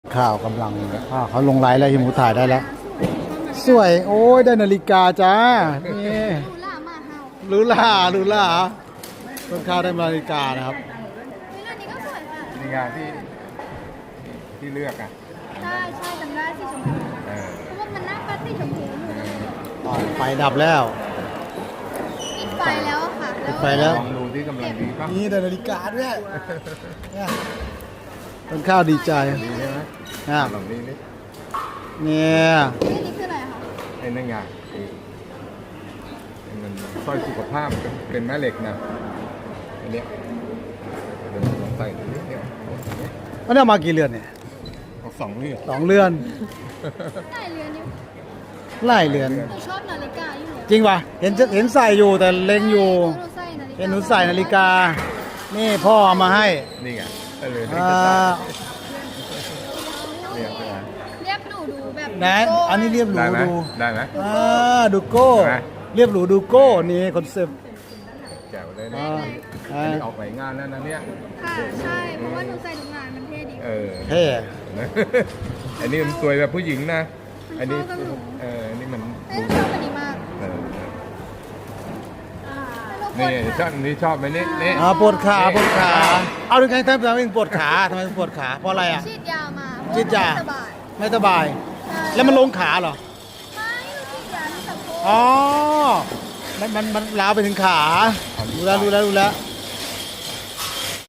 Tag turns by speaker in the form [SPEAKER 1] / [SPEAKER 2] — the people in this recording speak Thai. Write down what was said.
[SPEAKER 1] ข่าวกำลังเขาลงไลน์แล้วฮิมูถ่ายได้แล้วสวยโอ้ยได้นาฬิกาจ้านี่หรูหราต้นข้าวได้นาฬิกานะครับ
[SPEAKER 2] อันนี้ก็สวยค่ะ
[SPEAKER 3] นี่งานที่เลือกอ่ะ
[SPEAKER 2] ใช่จำได้สีชมพูเพราะว่ามันหน้าปัดสีชมพูอยู่
[SPEAKER 1] ไฟดับแล้ว
[SPEAKER 2] ปิดไฟแล้วอะค่ะ
[SPEAKER 1] ปิดไฟแล้ว
[SPEAKER 3] ลองดูที่กำลังดีป่ะ
[SPEAKER 1] นี่ได้นาฬิกาด้วยเนี่ยต้นข้าวดีใจ
[SPEAKER 3] ดีใช่ไหม
[SPEAKER 1] นะ
[SPEAKER 3] ลองนี้นี่
[SPEAKER 1] เนี่ย
[SPEAKER 2] นี่คืออะไรคะ
[SPEAKER 3] ไอ้นั่นไงมันสร้อยสุขภาพเป็นแม่เหล็กนะอันเนี้ยเดี๋ยวลองใส่ดูนิดเดียว
[SPEAKER 1] มันได้มากี่เรือนเนี่ย
[SPEAKER 3] เอาสองเลือด
[SPEAKER 1] 2 เรือน
[SPEAKER 2] ได้เรือนอยู่
[SPEAKER 1] ไล่เรือน
[SPEAKER 2] หนูชอบนาฬิกาอยู่
[SPEAKER 1] จริงป่ะเห็นใส่อยู่แต่เล็งอยู่
[SPEAKER 2] หนูใส่นาฬิกา
[SPEAKER 1] เห็นหนูใส่นาฬิกา นี่พ่อเอามาให้
[SPEAKER 3] นี่ไงเลยที่
[SPEAKER 1] อ่า
[SPEAKER 3] จะใส่เนี่ยใช่ไหม
[SPEAKER 2] เรียบหนูดูแบบ
[SPEAKER 1] ไหนอันนี้เรียบหรู
[SPEAKER 3] ได้ไหม
[SPEAKER 1] ดู
[SPEAKER 3] ได้ไหม
[SPEAKER 1] ดูโก้
[SPEAKER 3] ไหน
[SPEAKER 1] เรียบหรูดูโก้นี่คอนเซ็ปต์
[SPEAKER 3] แจ๋วเลยนะ
[SPEAKER 1] อ่า
[SPEAKER 3] อันนี้ออกไปงานแล้วนะเนี่ย
[SPEAKER 2] ค่ะใช่เพราะว่าหนูใส่ทุกงานมันเท่ดี
[SPEAKER 3] เออ
[SPEAKER 1] เท่
[SPEAKER 3] อันนี้มันสวยแบบผู้หญิงนะ อันนี้
[SPEAKER 2] เข้ากับหนู
[SPEAKER 3] อันนี้มัน
[SPEAKER 2] เอ้ยหนูชอบอันนี้มาก
[SPEAKER 3] เออ
[SPEAKER 2] ไม่รู้
[SPEAKER 3] นี่
[SPEAKER 2] คน
[SPEAKER 3] ชอบนี่ชอบไหมนี่
[SPEAKER 1] ปวดขาเอาถึงไงทำไมถึงปวดขาทำไมถึงปวดขาเพราะอะไรอ่ะ
[SPEAKER 2] ฉีดยามา
[SPEAKER 1] ฉีดยา
[SPEAKER 2] สบาย
[SPEAKER 1] ไม่สบาย
[SPEAKER 2] ใช่
[SPEAKER 1] แล้วมันลงขาเหรอ
[SPEAKER 2] ไม่หนูฉีดยาที่สะโพก
[SPEAKER 1] อ๋อมันล้าวไปถึงขารู้แล้ว